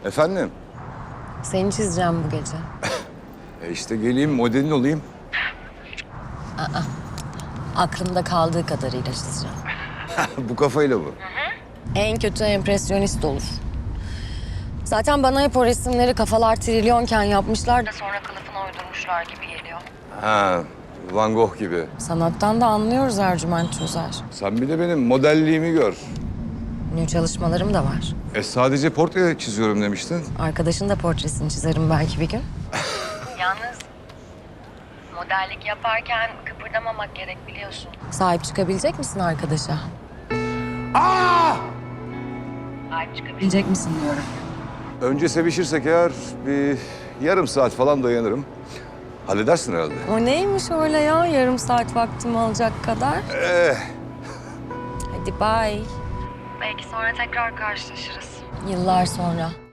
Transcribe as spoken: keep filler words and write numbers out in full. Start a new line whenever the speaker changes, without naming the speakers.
Efendim?
Seni çizeceğim bu gece.
E işte geleyim, modelin olayım.
Aklımda kaldığı kadarıyla çizeceğim.
Bu kafayla bu.
En kötü empresyonist olur. Zaten bana hep o resimleri kafalar trilyonken yapmışlar da sonra kılıfına uydurmuşlar gibi geliyor.
Ha, Van Gogh gibi.
Sanattan da anlıyoruz Ercüment Çözer.
Sen bir de benim modelliğimi gör.
Ünlü çalışmalarım da var.
E sadece portre çiziyorum demiştin.
Arkadaşın da portresini çizerim belki bir gün. Yalnız modellik yaparken kıpırdamamak gerek biliyorsun. Sahip çıkabilecek misin arkadaşa?
Aa!
Sahip çıkabilecek misin diyorum.
Önce sevişirsek eğer bir yarım saat falan dayanırım. Halledersin herhalde.
O neymiş öyle ya yarım saat vaktimi alacak kadar?
Eh,
Hadi bye. Belki sonra tekrar karşılaşırız. Yıllar sonra.